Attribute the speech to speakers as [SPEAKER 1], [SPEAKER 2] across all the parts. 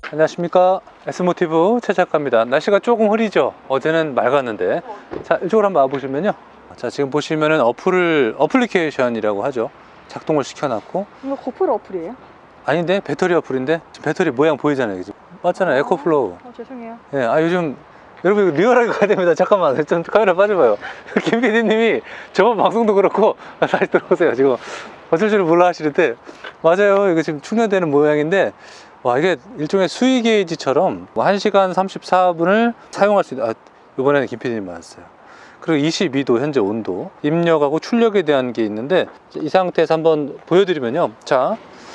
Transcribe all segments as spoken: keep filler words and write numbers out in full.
[SPEAKER 1] 안녕하십니까, S모티브 최 작가입니다. 날씨가 조금 흐리죠. 어제는 맑았는데. 자, 이쪽으로 한번 와보시면요, 자, 지금 보시면은 어플을 어플리케이션이라고 하죠. 작동을 시켜놨고.
[SPEAKER 2] 이거 고프로 어플이에요?
[SPEAKER 1] 아닌데, 배터리 어플인데 지금 배터리 모양 보이잖아요. 그죠? 맞잖아요. 에코플로우.
[SPEAKER 2] 어, 죄송해요.
[SPEAKER 1] 예, 아 요즘 여러분 리얼하게 가야 됩니다. 잠깐만, 좀 카메라 빠져봐요. 김 피디님이 저번 방송도 그렇고 다시 들어오세요. 지금 어쩔 줄 몰라 하시는데, 맞아요. 이거 지금 충전되는 모양인데, 와, 이게 일종의 수위 게이지처럼 한 시간 삼십사 분을 사용할 수 있는, 아, 이번에는 김 피디님 맞았어요. 그리고 이십이 도 현재 온도, 입력하고 출력에 대한 게 있는데, 이 상태에서 한번 보여드리면요, 자,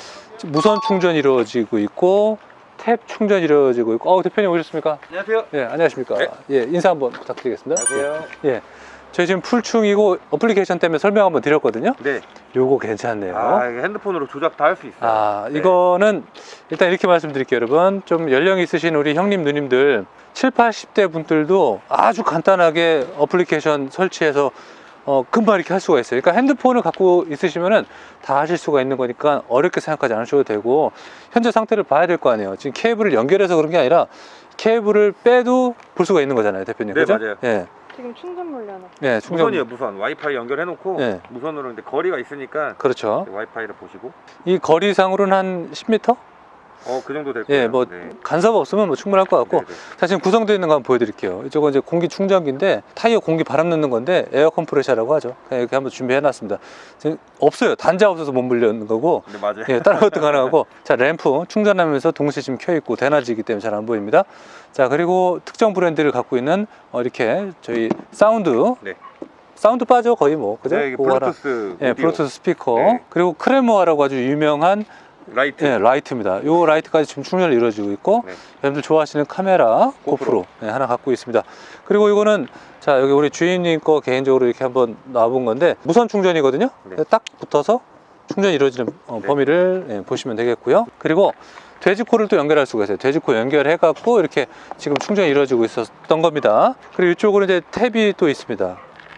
[SPEAKER 1] 무선 충전이 이루어지고 있고 탭 충전이 이루어지고 있고. 어, 대표님 오셨습니까?
[SPEAKER 3] 안녕하세요.
[SPEAKER 1] 예, 안녕하십니까?
[SPEAKER 3] 네.
[SPEAKER 1] 예, 인사 한번 부탁드리겠습니다.
[SPEAKER 3] 안녕하세요.
[SPEAKER 1] 예, 저희 지금 풀충이고 어플리케이션 때문에 설명 한번 드렸거든요.
[SPEAKER 3] 네.
[SPEAKER 1] 요거 괜찮네요.
[SPEAKER 3] 아, 이게 핸드폰으로 조작 다 할 수 있어요.
[SPEAKER 1] 아,
[SPEAKER 3] 네.
[SPEAKER 1] 이거는 일단 이렇게 말씀드릴게요, 여러분. 좀 연령이 있으신 우리 형님, 누님들, 칠십, 팔십 대 분들도 아주 간단하게 어플리케이션 설치해서 어, 금방 이렇게 할 수가 있어요. 그러니까 핸드폰을 갖고 있으시면은 다 하실 수가 있는 거니까 어렵게 생각하지 않으셔도 되고, 현재 상태를 봐야 될 거 아니에요. 지금 케이블을 연결해서 그런 게 아니라 케이블을 빼도 볼 수가 있는 거잖아요, 대표님.
[SPEAKER 3] 네,
[SPEAKER 1] 그죠?
[SPEAKER 3] 맞아요.
[SPEAKER 1] 예.
[SPEAKER 2] 지금 충전 물려나?
[SPEAKER 1] 예, 충전.
[SPEAKER 3] 무선이에요, 무선. 와이파이 연결해놓고
[SPEAKER 1] 네.
[SPEAKER 3] 무선으로. 근데 거리가 있으니까
[SPEAKER 1] 그렇죠.
[SPEAKER 3] 와이파이를 보시고.
[SPEAKER 1] 이 거리상으로는 한 십 미터?
[SPEAKER 3] 어, 그 정도 될 거예요.
[SPEAKER 1] 예, 뭐
[SPEAKER 3] 네.
[SPEAKER 1] 간섭 없으면 뭐 충분할 것 같고.
[SPEAKER 3] 네, 네.
[SPEAKER 1] 자, 지금 구성되어 있는 거 한번 보여드릴게요. 이쪽은 이제 공기 충전기인데 타이어 공기 바람 넣는 건데 에어 컴프레셔라고 하죠. 그냥 이렇게 한번 준비해놨습니다. 지금 없어요. 단자 없어서 못 물려는 거고.
[SPEAKER 3] 네, 맞아요.
[SPEAKER 1] 예, 다른 것도 가능하고. 자, 램프 충전하면서 동시에 지금 켜있고 대낮이기 때문에 잘 안 보입니다. 자, 그리고 특정 브랜드를 갖고 있는 어, 이렇게 저희 사운드.
[SPEAKER 3] 네.
[SPEAKER 1] 사운드 빠져 거의 뭐, 그죠?
[SPEAKER 3] 네, 이게
[SPEAKER 1] 그거 하나.
[SPEAKER 3] 블루투스.
[SPEAKER 1] 예,
[SPEAKER 3] 오디오.
[SPEAKER 1] 블루투스 스피커.
[SPEAKER 3] 네.
[SPEAKER 1] 그리고 크레모아라고 아주 유명한
[SPEAKER 3] 라이트.
[SPEAKER 1] 예, 라이트입니다. 요 라이트까지 지금 충전이 이루어지고 있고,
[SPEAKER 3] 네.
[SPEAKER 1] 여러분들 좋아하시는 카메라 고프로,
[SPEAKER 3] 고프로.
[SPEAKER 1] 예, 하나 갖고 있습니다. 그리고 이거는, 자, 여기 우리 주인님 거 개인적으로 이렇게 한번 놔본 건데 무선 충전이거든요.
[SPEAKER 3] 네.
[SPEAKER 1] 딱 붙어서 충전이 이루어지는 어,
[SPEAKER 3] 네.
[SPEAKER 1] 범위를 예, 보시면 되겠고요. 그리고 돼지코를 또 연결할 수가 있어요. 돼지코 연결해 갖고 이렇게 지금 충전이 이루어지고 있었던 겁니다. 그리고 이쪽으로 이제 탭이 또 있습니다.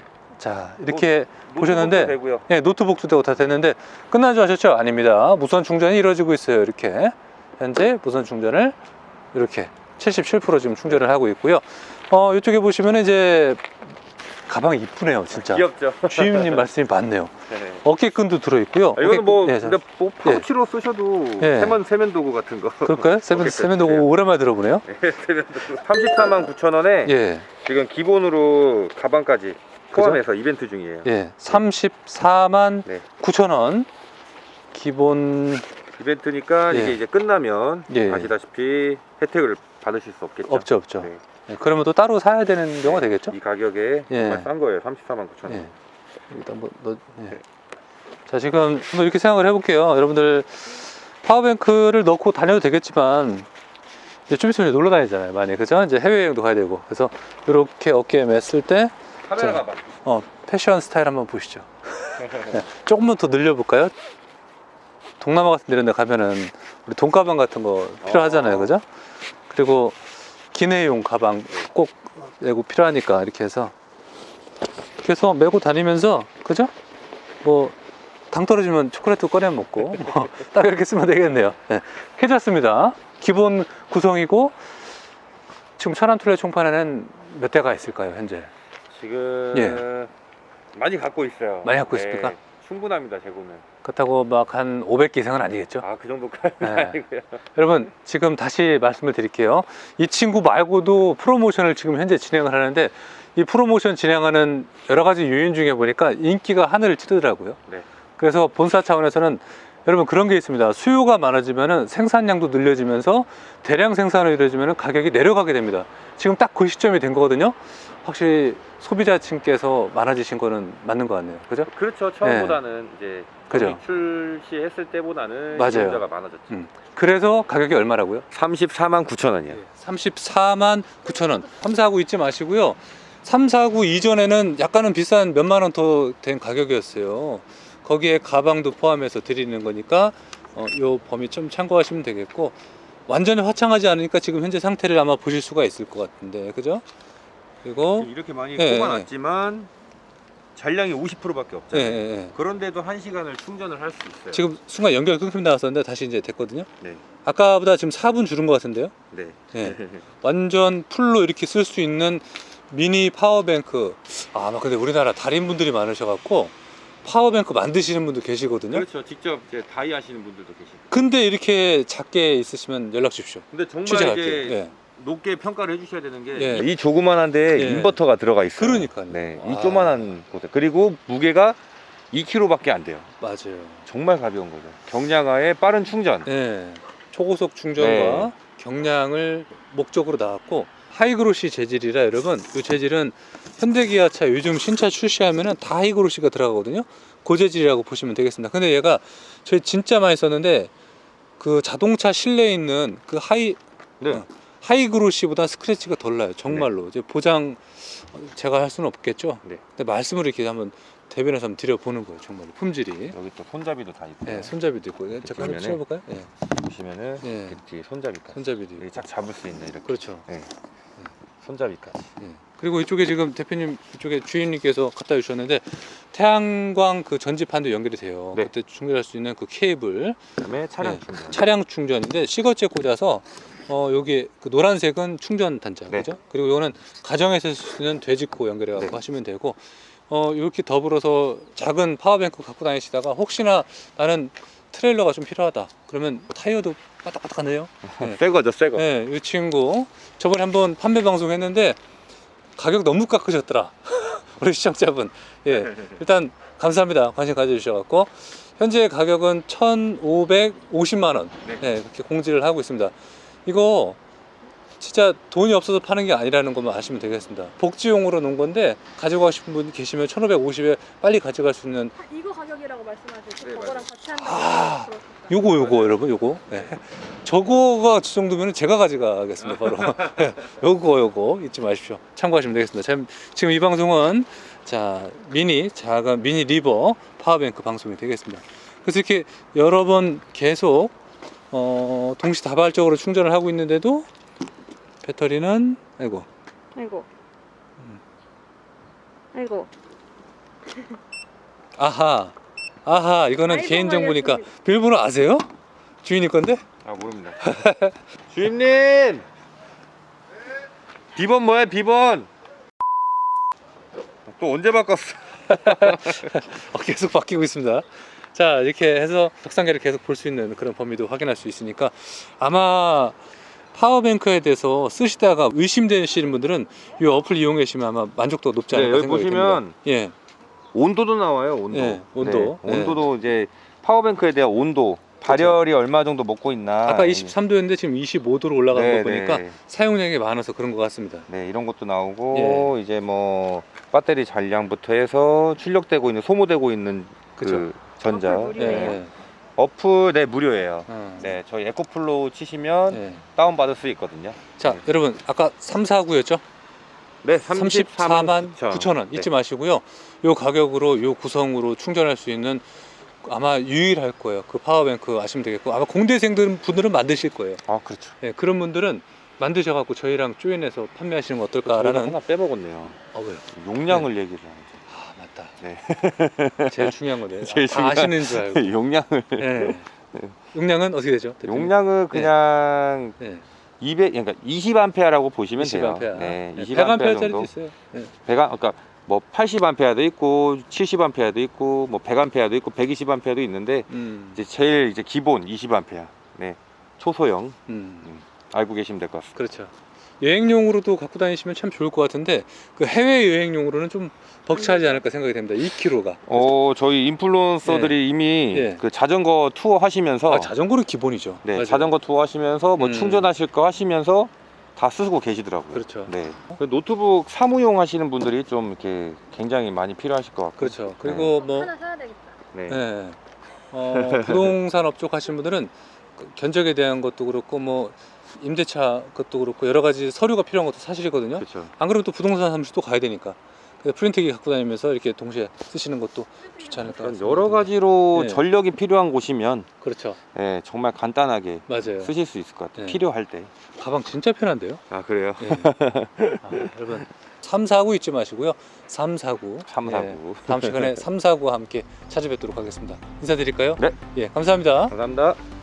[SPEAKER 1] 자, 이렇게
[SPEAKER 3] 노-
[SPEAKER 1] 보셨는데,
[SPEAKER 3] 노트북도 되고요.
[SPEAKER 1] 예, 노트북도 되고 다 됐는데 끝난 줄 아셨죠? 아닙니다. 무선 충전이 이루어지고 있어요. 이렇게 현재 무선 충전을 이렇게 칠십칠 퍼센트 지금 충전을 하고 있고요. 어, 이쪽에 보시면 이제 가방이 이쁘네요, 진짜.
[SPEAKER 3] 귀엽죠.
[SPEAKER 1] 주임님 말씀이 맞네요.
[SPEAKER 3] 네.
[SPEAKER 1] 어깨끈도 들어있고요.
[SPEAKER 3] 아, 이거는 뭐,
[SPEAKER 1] 어깨끈, 예,
[SPEAKER 3] 근데 뭐 파우치로 쓰셔도
[SPEAKER 1] 예.
[SPEAKER 3] 세면 세면 도구 같은 거.
[SPEAKER 1] 그럴까요? 세면
[SPEAKER 3] 어깨끈.
[SPEAKER 1] 세면 도구
[SPEAKER 3] 네.
[SPEAKER 1] 오랜만에 들어보네요.
[SPEAKER 3] 네, 세면 도구. 삼십사만 구천 원에
[SPEAKER 1] 예,
[SPEAKER 3] 지금 기본으로 가방까지 포함해서 이벤트 중이에요.
[SPEAKER 1] 예, 삼십사만
[SPEAKER 3] 네.
[SPEAKER 1] 구천 원 기본.
[SPEAKER 3] 이벤트니까
[SPEAKER 1] 예.
[SPEAKER 3] 이게 이제 끝나면
[SPEAKER 1] 예.
[SPEAKER 3] 아시다시피 혜택을 받으실 수 없겠죠.
[SPEAKER 1] 없죠, 없죠.
[SPEAKER 3] 네.
[SPEAKER 1] 예, 그러면 또 따로 사야 되는 경우가 되겠죠?
[SPEAKER 3] 이 가격에
[SPEAKER 1] 예.
[SPEAKER 3] 정말 싼 거예요. 삼십사만 구천 원.
[SPEAKER 1] 예. 일단 뭐, 너, 예. 자, 지금 한번 이렇게 생각을 해볼게요. 여러분들 파워뱅크를 넣고 다녀도 되겠지만 이제 좀 있으면 놀러 다니잖아요, 많이. 그죠? 이제 해외여행도 가야 되고. 그래서 이렇게 어깨에 맸을 때
[SPEAKER 3] 카메라
[SPEAKER 1] 자,
[SPEAKER 3] 가방.
[SPEAKER 1] 어, 패션 스타일 한번 보시죠. 네, 조금만 더 늘려볼까요? 동남아 같은 데 이런 데 가면은 우리 돈가방 같은 거 필요하잖아요,
[SPEAKER 3] 어.
[SPEAKER 1] 그죠? 그리고 기내용 가방 꼭 메고 필요하니까 이렇게 해서 이렇게 해서 메고 다니면서, 그죠? 뭐 당 떨어지면 초콜릿도 꺼내 먹고 뭐 딱 이렇게 쓰면 되겠네요. 네, 해졌습니다. 기본 구성이고. 지금 천안툴레 총판에는 몇 대가 있을까요, 현재?
[SPEAKER 3] 지금
[SPEAKER 1] 예.
[SPEAKER 3] 많이 갖고 있어요.
[SPEAKER 1] 많이 갖고 있습니까?
[SPEAKER 3] 충분합니다, 재고는.
[SPEAKER 1] 그렇다고 막 한 오백 개 이상은 아니겠죠?
[SPEAKER 3] 아, 그 정도까지는
[SPEAKER 1] 네.
[SPEAKER 3] 아니고요.
[SPEAKER 1] 여러분, 지금 다시 말씀을 드릴게요. 이 친구 말고도 프로모션을 지금 현재 진행을 하는데, 이 프로모션 진행하는 여러 가지 요인 중에 보니까 인기가 하늘을 찌르더라고요.
[SPEAKER 3] 네.
[SPEAKER 1] 그래서 본사 차원에서는 여러분 그런 게 있습니다. 수요가 많아지면 생산량도 늘려지면서 대량 생산을 이루어지면 가격이 내려가게 됩니다. 지금 딱 그 시점이 된 거거든요. 확실히 소비자층께서 많아지신 거는 맞는 것 같네요. 그죠?
[SPEAKER 3] 그렇죠. 처음보다는 이제
[SPEAKER 1] 그죠.
[SPEAKER 3] 출시했을 때보다는
[SPEAKER 1] 맞아요.
[SPEAKER 3] 이용자가 많아졌죠.
[SPEAKER 1] 음. 그래서 가격이 얼마라고요?
[SPEAKER 3] 삼십사만 구천 원이요.
[SPEAKER 1] 삼십사만 구천 원. 삼, 사, 구 잊지 마시고요. 삼, 사, 구 이전에는 약간은 비싼 몇만 원 더 된 가격이었어요. 거기에 가방도 포함해서 드리는 거니까 어, 요 범위 좀 참고하시면 되겠고, 완전히 화창하지 않으니까 지금 현재 상태를 아마 보실 수가 있을 것 같은데, 그죠? 그리고
[SPEAKER 3] 이렇게 많이
[SPEAKER 1] 예,
[SPEAKER 3] 뽑아놨지만 잔량이 오십 퍼센트밖에
[SPEAKER 1] 예,
[SPEAKER 3] 없잖아요.
[SPEAKER 1] 예, 예.
[SPEAKER 3] 그런데도 한 시간을 충전을 할 수 있어요.
[SPEAKER 1] 지금 순간 연결 끊김 나왔었는데 다시 이제 됐거든요.
[SPEAKER 3] 네.
[SPEAKER 1] 아까보다 지금 사 분 줄은 것 같은데요.
[SPEAKER 3] 네.
[SPEAKER 1] 예. 완전 풀로 이렇게 쓸 수 있는 미니 파워뱅크. 아, 아마 근데 우리나라 달인분들이 많으셔갖고 파워뱅크 만드시는 분도 계시거든요.
[SPEAKER 3] 그렇죠. 직접 이제 다이 하시는 분들도 계시고.
[SPEAKER 1] 근데 이렇게 작게 있으시면 연락 주십시오.
[SPEAKER 3] 근데 정말
[SPEAKER 1] 취재할게요.
[SPEAKER 3] 이제
[SPEAKER 1] 예.
[SPEAKER 3] 높게 평가를 해주셔야 되는 게
[SPEAKER 1] 예.
[SPEAKER 3] 이 조그만한데
[SPEAKER 1] 예.
[SPEAKER 3] 인버터가 들어가 있어요.
[SPEAKER 1] 그러니까요.
[SPEAKER 3] 네,
[SPEAKER 1] 아.
[SPEAKER 3] 이 조그만한 곳에 그리고 무게가 이 킬로그램밖에 안 돼요.
[SPEAKER 1] 맞아요.
[SPEAKER 3] 정말 가벼운 거죠. 경량화에 빠른 충전.
[SPEAKER 1] 예. 초고속 충전과
[SPEAKER 3] 네.
[SPEAKER 1] 경량을 목적으로 나왔고 하이그로시 재질이라 여러분, 이 재질은 현대기아차 요즘 신차 출시하면은 다 하이그로시가 들어가거든요. 그 재질이라고 보시면 되겠습니다. 근데 얘가 저희 진짜 많이 썼는데 그 자동차 실내에 있는 그 하이
[SPEAKER 3] 네.
[SPEAKER 1] 어, 하이그로시보다 스크래치가 덜 나요. 정말로. 이제 보장 제가 할 수는 없겠죠.
[SPEAKER 3] 네.
[SPEAKER 1] 근데 말씀을 이렇게 한번 대변해서 한번 드려보는 거예요. 정말로 품질이.
[SPEAKER 3] 여기 또 손잡이도 다 있고.
[SPEAKER 1] 네, 손잡이도 있고. 예, 잠깐
[SPEAKER 3] 보면은
[SPEAKER 1] 찍어볼까요? 예,
[SPEAKER 3] 보시면은
[SPEAKER 1] 예.
[SPEAKER 3] 이렇게 뒤에 손잡이까지.
[SPEAKER 1] 손잡이도 있고.
[SPEAKER 3] 이렇게 쫙 잡을 수 있는 이렇게.
[SPEAKER 1] 그렇죠.
[SPEAKER 3] 네. 손잡이까지.
[SPEAKER 1] 예. 그리고 이쪽에 지금 대표님 이쪽에 주인님께서 갖다 주셨는데 태양광 그 전지판도 연결이 돼요.
[SPEAKER 3] 네.
[SPEAKER 1] 그때 충전할 수 있는 그 케이블.
[SPEAKER 3] 그다음에 차량
[SPEAKER 1] 네.
[SPEAKER 3] 충전.
[SPEAKER 1] 차량 충전인데 시거째 꽂아서 어 여기 그 노란색은 충전 단자,
[SPEAKER 3] 네.
[SPEAKER 1] 그죠? 그리고 이거는 가정에서 쓰는 돼지코 연결해 갖고
[SPEAKER 3] 네.
[SPEAKER 1] 하시면 되고 어 이렇게 더불어서 작은 파워뱅크 갖고 다니시다가 혹시나 나는 트레일러가 좀 필요하다 그러면 타이어도 빠딱빠딱하네요. 네.
[SPEAKER 3] 새 거죠, 새 거.
[SPEAKER 1] 네, 이 친구 저번에 한번 판매 방송 했는데 가격 너무 깎으셨더라. 우리 시청자분. 예, 일단 감사합니다. 관심 가져주셔갖고 현재 가격은 천오백오십만 원.
[SPEAKER 3] 네.
[SPEAKER 1] 네, 그렇게 공지를 하고 있습니다. 이거 진짜 돈이 없어서 파는 게 아니라는 것만 아시면 되겠습니다. 복지용으로 놓은 건데 가져가고 싶은 분 계시면 천오백오십에 빨리 가져갈 수 있는
[SPEAKER 2] 아, 이거 가격이라고 말씀하세요.
[SPEAKER 3] 네,
[SPEAKER 2] 저거랑
[SPEAKER 3] 맞아요.
[SPEAKER 2] 같이 한다고.
[SPEAKER 1] 아,
[SPEAKER 2] 그렇습니다.
[SPEAKER 1] 요거 요거 여러분 요거. 네. 저거가 저 정도면 제가 가져가겠습니다 바로. 네, 요거 요거 잊지 마십시오. 참고하시면 되겠습니다. 참, 지금 이 방송은 자 미니 작은 미니 리버 파워뱅크 방송이 되겠습니다. 그래서 이렇게 여러 번 계속 어, 동시다발적으로 충전을 하고 있는데도 배터리는 아이고
[SPEAKER 2] 아이고. 아이고.
[SPEAKER 1] 아하 아하 이거는
[SPEAKER 2] 아이고,
[SPEAKER 1] 개인정보니까
[SPEAKER 2] 알겠습니다.
[SPEAKER 1] 비밀번호 아세요? 주인이 건데?
[SPEAKER 3] 아, 모릅니다. 주임님! 비번 뭐야, 비번? 또 언제 바꿨어?
[SPEAKER 1] 어, 계속 바뀌고 있습니다. 자 이렇게 해서 덕상계를 계속 볼 수 있는 그런 범위도 확인할 수 있으니까 아마 파워뱅크에 대해서 쓰시다가 의심되시는 분들은 이 어플 이용해 주시면 아마 만족도가 높지
[SPEAKER 3] 네,
[SPEAKER 1] 않을까
[SPEAKER 3] 여기
[SPEAKER 1] 생각이
[SPEAKER 3] 보시면
[SPEAKER 1] 듭니다. 예,
[SPEAKER 3] 온도도 나와요, 온도.
[SPEAKER 1] 네, 온도.
[SPEAKER 3] 네, 온도도 이제 파워뱅크에 대한 온도, 발열이 얼마 정도 먹고 있나.
[SPEAKER 1] 아까 이십삼 도였는데 지금 이십오 도로 올라간
[SPEAKER 3] 네,
[SPEAKER 1] 거 보니까
[SPEAKER 3] 네.
[SPEAKER 1] 사용량이 많아서 그런 것 같습니다.
[SPEAKER 3] 네, 이런 것도 나오고 이제 뭐 배터리 잔량부터 해서 출력되고 있는 소모되고 있는 그
[SPEAKER 1] 그쵸.
[SPEAKER 3] 전자.
[SPEAKER 2] 어플 무료예요?
[SPEAKER 1] 예,
[SPEAKER 3] 어플 네 무료예요.
[SPEAKER 1] 어,
[SPEAKER 3] 네, 저희 에코플로우 치시면
[SPEAKER 1] 예.
[SPEAKER 3] 다운 받을 수 있거든요.
[SPEAKER 1] 자
[SPEAKER 3] 네.
[SPEAKER 1] 여러분 아까 삼사구였죠?
[SPEAKER 3] 네,
[SPEAKER 1] 삼십사만 구천 원 잊지 마시고요. 요 가격으로 요 구성으로 충전할 수 있는 아마 유일할 거예요. 그 파워뱅크 아시면 되겠고 아마 공대생들 분들은 만드실 거예요.
[SPEAKER 3] 아, 그렇죠.
[SPEAKER 1] 예, 그런 분들은 만드셔갖고 저희랑 조인해서 판매하시는 거
[SPEAKER 3] 저희가
[SPEAKER 1] 어떨까라는.
[SPEAKER 3] 하나 빼먹었네요.
[SPEAKER 1] 어 왜요?
[SPEAKER 3] 용량을 얘기를 하죠.
[SPEAKER 1] 아 맞다.
[SPEAKER 3] 네.
[SPEAKER 1] 제일 중요한 건데.
[SPEAKER 3] 제일
[SPEAKER 1] 다
[SPEAKER 3] 중요한-
[SPEAKER 1] 아시는 줄 알고.
[SPEAKER 3] 용량을
[SPEAKER 1] 예. 용량은 어떻게 되죠? 대표님?
[SPEAKER 3] 용량은 그냥
[SPEAKER 1] 네.
[SPEAKER 3] 이백 그러니까 이십 암페어라고 보시면
[SPEAKER 1] 이십
[SPEAKER 3] 돼요.
[SPEAKER 1] 암페어.
[SPEAKER 3] 네,
[SPEAKER 1] 네,
[SPEAKER 3] 이십
[SPEAKER 1] 백
[SPEAKER 3] 암페어
[SPEAKER 1] 암페어짜리도
[SPEAKER 3] 정도.
[SPEAKER 1] 있어요. 네.
[SPEAKER 3] 백 아- 그러니까 뭐 팔십 암페어도 있고 칠십 암페어도 있고 뭐 백 암페어도 있고 백이십 암페어도 있는데
[SPEAKER 1] 음.
[SPEAKER 3] 이제 제일 이제 기본 이십 암페어. 네. 초소형
[SPEAKER 1] 음.
[SPEAKER 3] 알고 계시면 될 것 같습니다.
[SPEAKER 1] 그렇죠. 여행용으로도 갖고 다니시면 참 좋을 것 같은데 그 해외 여행용으로는 좀 벅차지 않을까 생각이 됩니다. 이 킬로그램가.
[SPEAKER 3] 어, 저희 인플루언서들이 이미
[SPEAKER 1] 예.
[SPEAKER 3] 그 자전거 투어 하시면서
[SPEAKER 1] 아, 자전거는 기본이죠.
[SPEAKER 3] 네,
[SPEAKER 1] 맞아요.
[SPEAKER 3] 자전거 투어 하시면서 뭐
[SPEAKER 1] 음.
[SPEAKER 3] 충전하실 거 하시면서 다 쓰고 계시더라고요.
[SPEAKER 1] 그렇죠.
[SPEAKER 3] 네. 그 노트북 사무용 하시는 분들이 좀 이렇게 굉장히 많이 필요하실 것 같고.
[SPEAKER 1] 그렇죠. 그리고 뭐
[SPEAKER 2] 하나 사야 되겠다.
[SPEAKER 3] 네.
[SPEAKER 1] 네. 어, 부동산 업종 하시는 분들은 그 견적에 대한 것도 그렇고 뭐 임대차 것도 그렇고 여러 가지 서류가 필요한 것도 사실이거든요.
[SPEAKER 3] 그렇죠.
[SPEAKER 1] 안 그러면 또 부동산 사무실 또 가야 되니까. 그래서 프린트기 갖고 다니면서 이렇게 동시에 쓰시는 것도 좋지 않을까.
[SPEAKER 3] 그러니까 여러 가지로
[SPEAKER 1] 네.
[SPEAKER 3] 전력이 필요한 곳이면
[SPEAKER 1] 그렇죠.
[SPEAKER 3] 네, 정말 간단하게
[SPEAKER 1] 맞아요.
[SPEAKER 3] 쓰실 수 있을 것 같아요.
[SPEAKER 1] 네.
[SPEAKER 3] 필요할 때.
[SPEAKER 1] 가방 진짜 편한데요.
[SPEAKER 3] 아, 그래요?
[SPEAKER 1] 예. 아, 여러분 삼사구 잊지 마시고요. 삼사구.
[SPEAKER 3] 삼사구.
[SPEAKER 1] 다음 시간에 삼사구와 함께 찾아뵙도록 하겠습니다. 인사드릴까요?
[SPEAKER 3] 네.
[SPEAKER 1] 예, 감사합니다.
[SPEAKER 3] 감사합니다.